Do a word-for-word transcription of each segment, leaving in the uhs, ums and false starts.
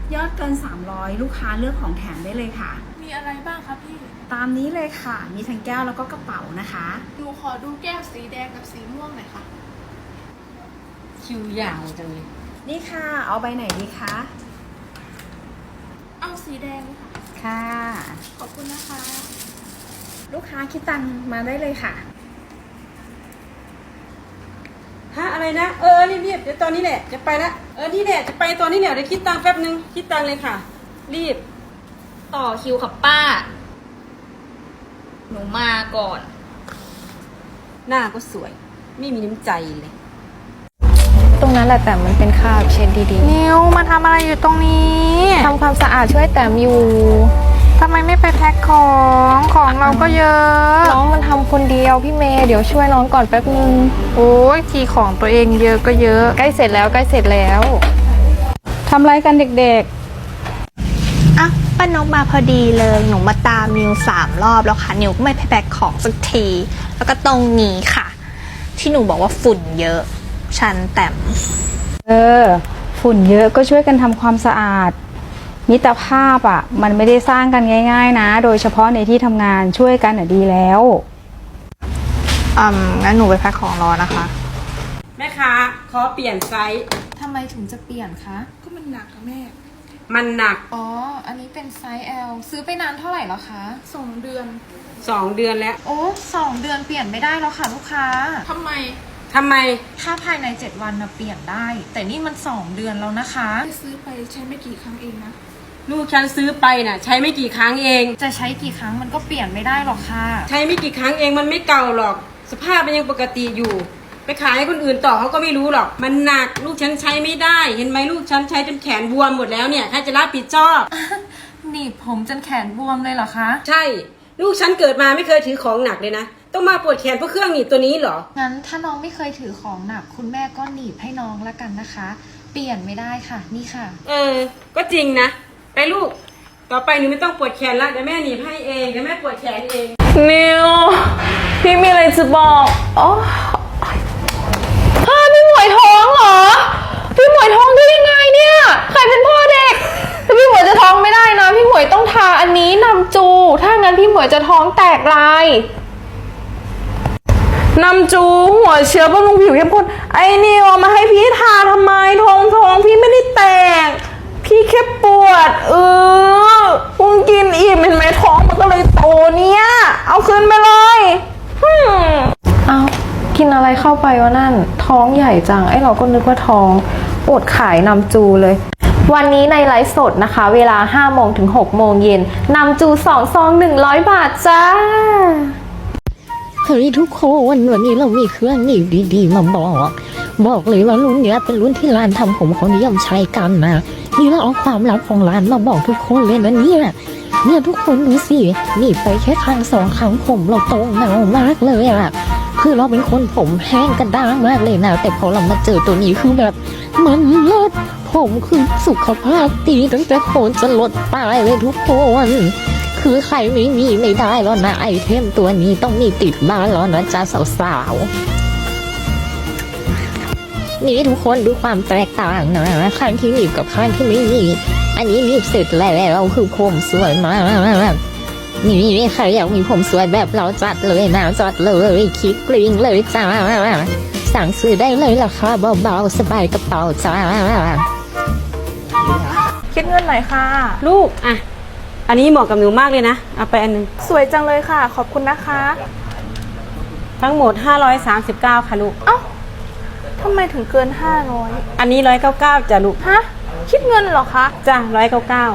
ยอดเกินสามร้อยลูกค้าเลือกของแถมได้เลยค่ะมีอะไรบ้างคะพี่ตามนี้เลยค่ะมีทั้งแก้วแล้วก็กระเป๋านะคะหนูขอดูแก้วสีแดงกับสีม่วงหน่อยค่ะคิวยาวจังเลยนี่ค่ะเอาใบไหนดีคะเอาสีแดงค่ะค่ะขอบคุณนะคะลูกค้าคิดตังค์มาได้เลยค่ะฮะอะไรนะเออรีบๆเดี๋ยวตอนนี้แหละจะไปละเออนี่แหละจะไปตอนนี้แหละเดี๋ยวคิดตังค์แป๊บนึงคิดตังค์เลยค่ะรีบต่อคิวค่ะป้าหนูมาก่อนหน้าก็สวยไม่มีน้ำใจเลยตรงนั้นแหละแต่มันเป็นคราบเช็ดดีๆนิวมาทำอะไรอยู่ตรงนี้ทำความสะอาดช่วยแต้มอยู่ทำไมไม่ไปแพ็คของของเราก็เยอะน้องมันทำคนเดียวพี่เมย์เดี๋ยวช่วยน้องก่อนแป๊บนึงโอ้ยทีของตัวเองเยอะก็เยอะใกล้เสร็จแล้วใกล้เสร็จแล้วทำไรกันเด็กๆอ่ะป้านกมาพอดีเลยหนูมาตามนิวสามรอบแล้วค่ะนิวก็ไม่ไปแพ็คของสักทีแล้วก็ตรงนี้ค่ะที่หนูบอกว่าฝุ่นเยอะชันแต้มเออฝุ่นเยอะก็ช่วยกันทำความสะอาดมิตรภาพอ่ะมันไม่ได้สร้างกันง่ายๆนะโดยเฉพาะในที่ทำงานช่วยกันอ่ะดีแล้วอืมงั้นหนูไปแพ็คของรอนะคะแม่ค้าขอเปลี่ยนไซส์ทำไมถึงจะเปลี่ยนคะก็มันหนักค่ะแม่มันหนักอ๋ออันนี้เป็นไซส์ แอล ซื้อไปนานเท่าไหร่แล้วคะสองเดือนสองเดือนแล้วโอ้สองเดือนเปลี่ยนไม่ได้แล้วค่ะลูกค้าทำไมทำไมถ้าภายในเจ็ดวันนะเปลี่ยนได้แต่นี่มันสองเดือนแล้วนะคะซื้อไปใช้ไม่กี่ครั้งเองนะลูกฉันซื้อไปน่ะใช้ไม่กี่ครั้งเองจะใช้กี่ครั้งมันก็เปลี่ยนไม่ได้หรอกค่ะใช้ไม่กี่ครั้งเองมันไม่เก่าหรอกสภาพมันยังปกติอยู่ไปขายให้คนอื่นต่อเขาก็ไม่รู้หรอกมันหนักลูกฉันใช้ไม่ได้เห็นไหมลูกฉันใช้จนแขนบวมหมดแล้วเนี่ยใครจะรับผิดชอบหนีบผมจนแขนบวมเลยเหรอคะใช่ลูกฉันเกิดมาไม่เคยถือของหนักเลยนะต้องมาปวดแขนเพราะเครื่องหนีบตัวนี้เหรองั้นถ้าน้องไม่เคยถือของหนักคุณแม่ก็หนีบให้น้องละกันนะคะเปลี่ยนไม่ได้ค่ะนี่ค่ะเออก็จริงนะไปลูกต่อไปหนูไม่ต้องปวดแขนละเดี๋ยวแม่หนีบให้เองเดี๋ยวแม่ปวดแขนเองนิวพี่มีอะไรจะบอกอ๋อพี่หมวยท้องเหรอพี่หมวยท้องได้ยังไงเนี่ยใครเป็นพ่อเด็กแต่พี่หมวยจะท้องไม่ได้นะพี่หมวยต้องทาอันนี้นำจูถ้างั้นพี่หมวยจะท้องแตกลายนำจูหัวเชื้อบำรุงผิวเข้มข้นไอ้นิวเอามาให้พี่ทาทำไมท้องท้องพี่ไม่ได้แตกพี่แค่ปวดเออคุณกินอิ่มเห็นไหมท้องมันก็เลยโตเนี่ยเอาคืนไปเลยเอากินอะไรเข้าไปวะนั่นท้องใหญ่จังไอ้เราก็นึกว่าท้องอดขายนำจูเลยวันนี้ในไลฟ์สดนะคะเวลาห้าโมงถึงหกโมงเย็นนำจูสองซองหนึ่งร้อยบาทจ้าเฮ้ยทุกคนวันนี้เรามีเครื่องนี่ดีๆมาบอกบอกเลยว่ารุ่นเนี้ยเป็นรุ่นที่ร้านทำผมเขานิยมใช้กันนะนี่เราเอาความลับของร้านมาบอกทุกคนเลยนะเนี่ยเนี่ยทุกคนดูสินี่ไปแค่ครั้งสองครั้งผมเราโตเงามากเลยอะคือเราเป็นคนผมแห้งกระด้างมากเลยนะแต่พอเรามาเจอตัวนี้คือแบบมันเลิศผมคือสุขภาพดีตั้งแต่โคนจะลดปลายเลยทุกคนคือใครไม่มีไม่ได้แล้วนะไอเทมตัวนี้ต้องมีติดบ้านแล้วนะจ้าสาวๆนี่ทุกคนดูความแตกต่างนะข้างที่หนีบกับข้างที่ไม่หนีบอันนี้หนีบเสร็จแล้วคือผมสวยมากนี่ใครอยากมีผมสวยแบบเราจัดเลยนะจัดเลยคิดกริ้งเลยจ้าสั่งซื้อได้เลยราคาเบาๆสบายกระเป๋าจ้าคิดเงินหน่อยค่ะลูกอ่ะอันนี้เหมาะกับหนูมากเลยนะเอาไปอันนึงสวยจังเลยค่ะขอบคุณนะคะทั้งหมดห้าร้อยสามสิบเก้าค่ะลูกเอ้าทำไมถึงเกินห้าร้อยอันนี้หนึ่งร้อยเก้าสิบเก้าจ้ะลูกฮะคิดเงินเหรอคะจ้ะหนึ่งร้อยเก้าสิบเก้า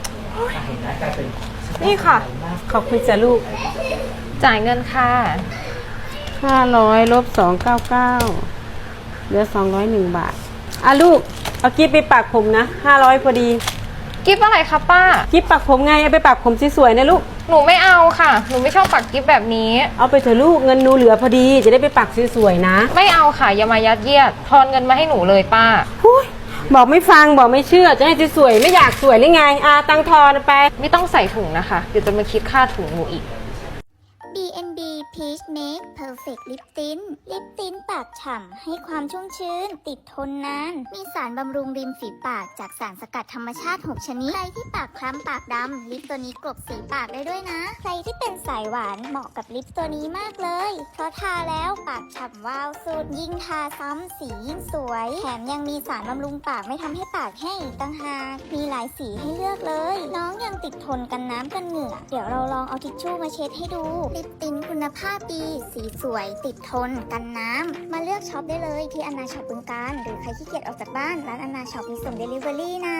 นี่ค่ะขอบคุณจ้ะลูกจ่ายเงินค่ะห้าร้อยลบสองร้อยเก้าสิบเก้าเหลือสองร้อยหนึ่งบาทอ่ะลูกเอากิ๊บไปปักผมนะห้าร้อยพอดีกิ๊บอะไรคะป้ากิ๊บปักผมไงเอาไปปักผมสวยๆนะลูกหนูไม่เอาค่ะหนูไม่ชอบปักกิ๊บแบบนี้เอาไปเถอะลูกเงินหนูเหลือพอดีจะได้ไปปักสวยๆนะไม่เอาค่ะอย่ามายัดเยียดทอนเงินมาให้หนูเลยป้าบอกไม่ฟังบอกไม่เชื่อจะให้สวยๆไม่อยากสวยหรือไงอ่าตังทอนไปไม่ต้องใส่ถุงนะคะเดี๋ยวจะมาคิดค่าถุงหนูอีกบี เอ็น บี Peach Make Perfect Lip Tint ลิปติ้นปากฉ่ำให้ความชุ่มชื้น ติดทนนาน มีสารบำรุงริมฝีปากจากสารสกัดธรรมชาติ หก ชนิด ใครที่ปากคล้ำปากดำ ลิปตัวนี้กลบสีปากได้ด้วยนะ ใครที่เป็นสายหวานเหมาะกับลิปตัวนี้มากเลย เพราะทาแล้วปากฉ่ำวาวสุด ยิ่งทาซ้ำสียิ่งสวย แถมยังมีสารบำรุงปากไม่ทำให้ปากแห้งอีกต่างหากมีหลายสีให้เลือกเลย น้องยังติดทนกันน้ำกันเหงื่อ เดี๋ยวเราลองเอาทิชชู่มาเช็ดให้ดู ลิปติ้นคุณภาพดี สีสวย ติดทนกันน้ำ มาเลือกช็อปได้เลยที่อนาช็อปบึงกาฬหรือใครขี้เกียจออกจากบ้านร้านอนาช็อปมีส่งเดลิเวอรี่นะ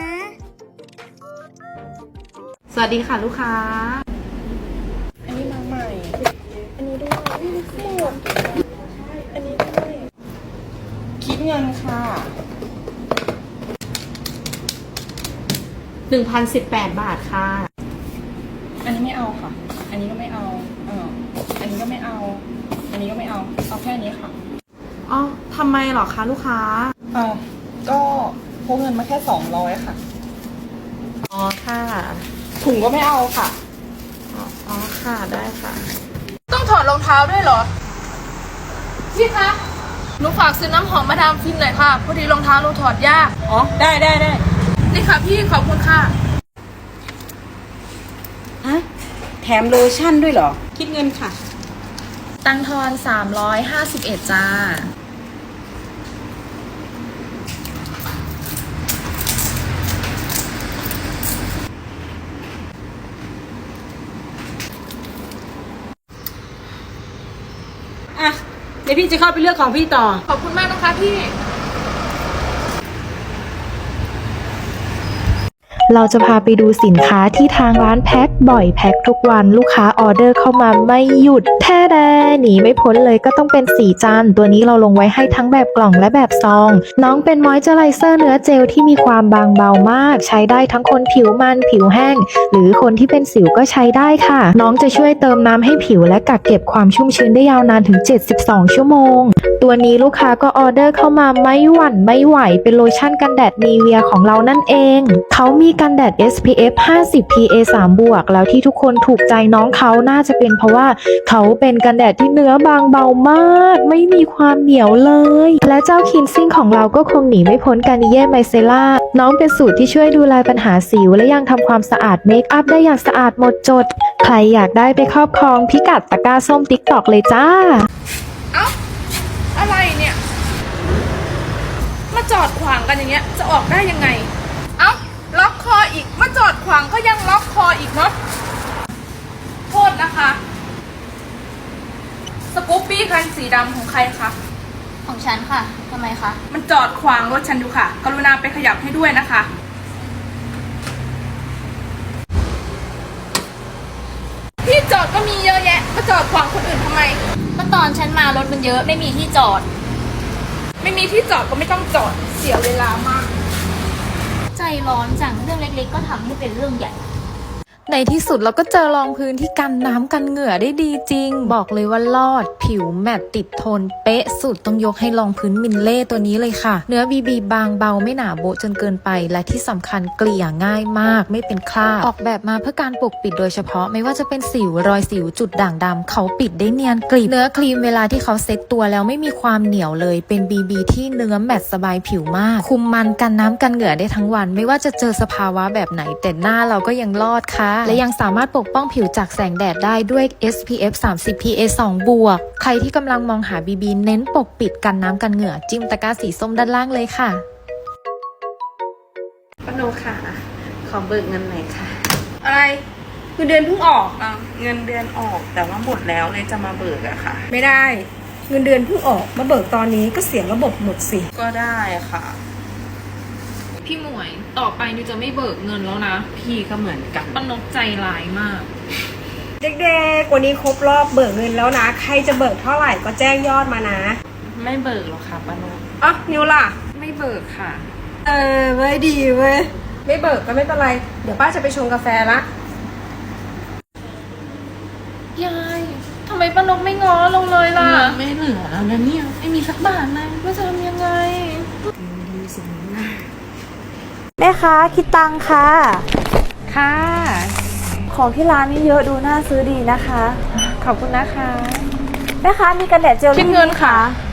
สวัสดีค่ะลูกค้าอันนี้มาใหม่ อันนี้ด้วยนี่คือหมดอันนี้ด้วยคิดเงินค่ะหนึ่งพันสิบแปด บาทค่ะอันนี้ไม่เอาค่ะ อันนี้ก็ไม่เอาเอออันนี้ก็ไม่เอา อันนี้ก็ไม่เอา เอาแค่นี้ค่ะอ๋อทำไมเหรอคะลูกค้าอ่าก็พกเงินมาแค่สองร้อยค่ะอ๋อค่ะถุงก็ไม่เอาค่ะอ๋อค่ะได้ค่ะต้องถอดรองเท้าด้วยเหรอ พี่คะ หนูฝากซื้อน้ำหอมมาดามฟินหน่อยค่ะ พอดีรองเท้าหนูถอดยากอ๋อ ได้ได้ได้นี่ค่ะพี่ขอบคุณค่ะฮะ แถมโลชั่นด้วยเหรอ คิดเงินค่ะตังทอนสามร้อยห้าสิบเอ็ดจ้าอ่ะ เดี๋ยวพี่จะเข้าไปเลือกของพี่ต่อขอบคุณมากนะคะพี่เราจะพาไปดูสินค้าที่ทางร้านแพ็คบ่อยแพ็คทุกวันลูกค้าออเดอร์เข้ามาไม่หยุดแท้แดหนีไม่พ้นเลยก็ต้องเป็นสีจันตัวนี้เราลงไว้ให้ทั้งแบบกล่องและแบบซองน้องเป็นมอยเจอไรเซอร์เนื้อเจลที่มีความบางเบามากใช้ได้ทั้งคนผิวมันผิวแห้งหรือคนที่เป็นสิวก็ใช้ได้ค่ะน้องจะช่วยเติมน้ำให้ผิวและกักเก็บความชุ่มชื้นได้ยาวนานถึงเจ็ดสิบสองชั่วโมงตัวนี้ลูกค้าก็ออเดอร์เข้ามาไม่หวั่นไม่ไหวเป็นโลชั่นกันแดดนีเวียของเรานั่นเองเขามีกันแดด เอส พี เอฟ ห้าสิบ พี เอ สาม บวกแล้วที่ทุกคนถูกใจน้องเขาน่าจะเป็นเพราะว่าเขาเป็นกันแดดที่เนื้อบางเบามากไม่มีความเหนียวเลยและเจ้าคินซิ่งของเราก็คงหนีไม่พ้นกานิเย่ไมเซล่าน้องเป็นสูตรที่ช่วยดูแลปัญหาสิวและยังทำความสะอาดเมคอัพได้อย่างสะอาดหมดจดใครอยากได้ไปครอบครองพิกัดตะกร้าส้มติ๊กตอกเลยจ้าเอ้า อะไรเนี่ย มาจอดขวางกันอย่างเงี้ย จะออกได้ยังไง เอ้า ล็อกคออีก มาจอดขวางก็ยังล็อกคออีกเนาะ โทษนะคะ สกูปปี้คันสีดำของใครคะของฉันค่ะ ทำไมคะมันจอดขวางรถฉันอยู่ค่ะ กรุณาไปขยับให้ด้วยนะคะ ที่จอดก็มีเยอะแยะ มาจอดขวางคนอื่นทำไมก็ตอนฉันมารถมันเยอะไม่มีที่จอดไม่มีที่จอดก็ไม่ต้องจอด เสียเวลามากใจร้อนจังเรื่องเล็กๆก็ทำให้เป็นเรื่องใหญ่ในที่สุดเราก็เจอรองพื้นที่กันน้ำกันเหงื่อได้ดีจริงบอกเลยว่ารอดผิวแมตต์ติดทนเป๊ะสุดต้องยกให้รองพื้นมินเล่ตัวนี้เลยค่ะเนื้อบีบีบางเบาไม่หนาโบะจนเกินไปและที่สำคัญเกลี่ยง่ายมากไม่เป็นคราบออกแบบมาเพื่อการปกปิดโดยเฉพาะไม่ว่าจะเป็นสิวรอยสิวจุดด่างดำเขาปิดได้เนียนกริบเนื้อครีมเวลาที่เขาเซ็ตตัวแล้วไม่มีความเหนียวเลยเป็นบีบีที่เนื้อแมตต์สบายผิวมากคุมมันกันน้ำกันเหงื่อได้ทั้งวันไม่ว่าจะเจอสภาวะแบบไหนแต่หน้าเราก็ยังรอดค่ะและยังสามารถปกป้องผิวจากแสงแดดได้ด้วย เอส พี เอฟ สามสิบ พี เอ สอง บวกใครที่กำลังมองหา บี บี เน้นปกปิดกันน้ำกันเหงื่อจิ้มตะกร้าสีส้มด้านล่างเลยค่ะป้าโนค่ะ ขอเบิกเงินหน่อยค่ะอะไรเงินเดือนเพิ่งออกอ่ะเงินเดือนออกแต่ว่าหมดแล้วเลยจะมาเบิกอะค่ะไม่ได้ เงินเดือนเพิ่งออก มาเบิกตอนนี้ก็เสียระบบหมดสิก็ได้ค่ะพี่หมวยต่อไปนิวจะไม่เบิกเงินแล้วนะพี่ก็เหมือนกันป้านกใจร้ายมากเด็กๆวันนี้ครบรอบเบิกเงินแล้วนะ ใครจะเบิกเท่าไหร่ก็แจ้งยอดมานะไม่เบิกหรอกค่ะป้าโนอ่ะนิวล่ะไม่เบิกค่ะเออเว้ยดีเว้ย ไม่เบิกก็ไม่เป็นไร เดี๋ยวป้าจะไปชงกาแฟละยายทำไมป้านกไม่ง้อลงเลยล่ะไม่เหลือแล้วนะเนี่ยไม่มีสักบาทเลยว่าจะทำยังไงแม่ค้าคิดตังค่ะค่ะของที่ร้านนี่เยอะดูน่าซื้อดีนะคะขอบคุณนะคะแม่ค้ามีกันแดดเจลคิดเงินค่ะ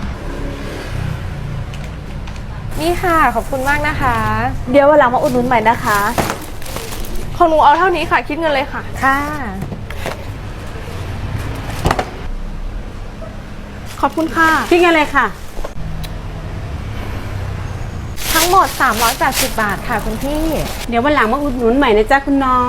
นี่ค่ะขอบคุณมากนะคะเดี๋ยววันหลังมาอุดหนุนใหม่นะคะของหนูเอาเท่านี้ค่ะ คิดเงินเลยค่ะค่ะขอบคุณค่ะคิดกันเลยค่ะทั้งหมดสามร้อยแปดสิบบาทค่ะคุณพี่เดี๋ยววันหลังมาอุดหนุนใหม่นะจ๊ะคุณน้อง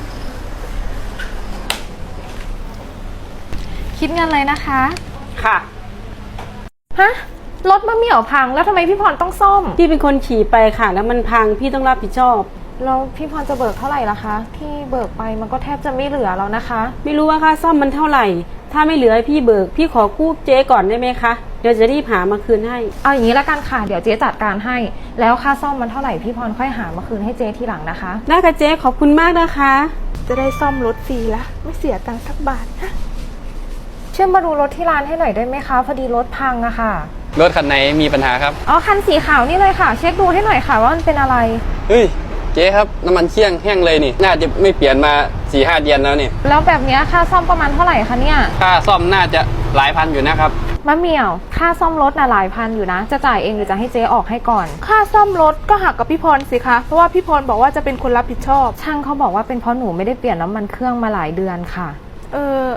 คิดเงินเลยนะคะค่ะฮะ รถมะเหมี่ยวพังแล้วทำไมพี่พรต้องซ่อมพี่เป็นคนขี่ไปค่ะ แล้วมันพังพี่ต้องรับผิดชอบแล้วพี่พรจะเบิกเท่าไหร่ล่ะคะ ที่เบิกไปมันก็แทบจะไม่เหลือแล้วนะคะไม่รู้ว่าค่าซ่อมมันเท่าไหร่ ถ้าไม่เหลือให้พี่เบิก พี่ขอกู้เจ๊ก่อนได้ไหมคะ เดี๋ยวจะรีบหามาคืนให้เอาอย่างนี้ละกันค่ะ เดี๋ยวเจ๊จัดการให้ แล้วค่าซ่อมมันเท่าไหร่พี่พรค่อยหามาคืนให้เจ๊ทีหลังนะคะได้ค่ะเจ๊ขอบคุณมากนะคะจะได้ซ่อมรถฟรีละไม่เสียตังค์สักบาทนะช่วยมาดูรถที่ร้านให้หน่อยได้ไหมคะ พอดีรถพังอะค่ะรถคันไหนมีปัญหาครับอ๋อคันสีขาวนี่เลยค่ะ เช็คดูให้หน่อยค่ะว่ามันเป็นอะไรเฮ้ย เจ๊ครับ น้ำมันเชี่ยงแห้งเลยนี่ น่าจะไม่เปลี่ยนมาสี่ห้าเดือนแล้วนี่แล้วแบบเนี้ยค่าซ่อมประมาณเท่าไหร่คะเนี่ยค่าซ่อมน่าจะหลายพันอยู่นะครับมะเหมี่ยว ค่าซ่อมรถน่ะหลายพันอยู่นะ จะจ่ายเองหรือจะให้เจ๊ออกให้ก่อนค่าซ่อมรถก็หักกับพี่พรสิคะ เพราะว่าพี่พรบอกว่าจะเป็นคนรับผิดชอบช่างเขาบอกว่าเป็นเพราะหนูไม่ได้เปลี่ยนน้ำมันเครื่องมาหลายเดือนค่ะเออ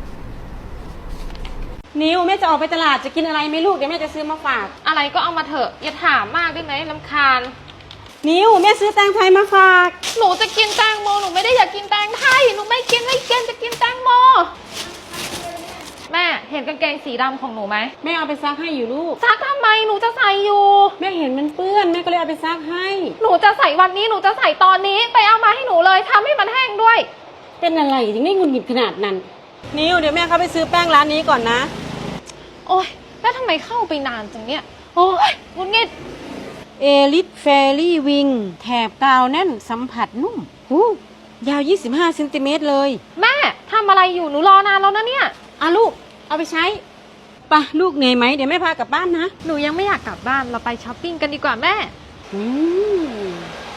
นิวแม่จะออกไปตลาดจะกินอะไรไหมลูกเดี๋ยวแม่จะซื้อมาฝากอะไรก็เอามาเถอะอย่าถามมากได้ไหมรำคาญนิวแม่ซื้อแตงไทยมาฝากหนูจะกินแตงโมหนูไม่ได้อยากกินแตงไทยหนูไม่กินไม่กินจะกินแตงโมแม่เห็นกางเกงสีดำของหนูไหมแม่เอาไปซักให้อยู่ลูกซักทำไมหนูจะใส่อยู่แม่เห็นมันเปื้อนแม่ก็เลยเอาไปซักให้หนูจะใส่วันนี้หนูจะใส่ตอนนี้ไปเอามาให้หนูเลยทำให้มันแห้งด้วยเป็นอะไรถึงได้หงุดหงิดขนาดนั้น นิวเดี๋ยวแม่เขาไปซื้อแป้งร้านนี้ก่อนนะโอ๊ยแล้วทำไมเข้าไปนานจังเนี่ยโอ๊ยงุดหงิดเอลิทเฟรี่วิงแถบกาวแน่นสัมผัสนุ่มหูยาวยี่สิบห้าเซนติเมตรเลยแม่ทำอะไรอยู่หนูรอนานแล้วนะเนี่ยอ่ะลูกเอาไปใช้ไปะลูกเหนื่อยไหมเดี๋ยวแม่พากลับบ้านนะหนูยังไม่อยากกลับบ้านเราไปช้อปปิ้งกันดีกว่าแม่อืม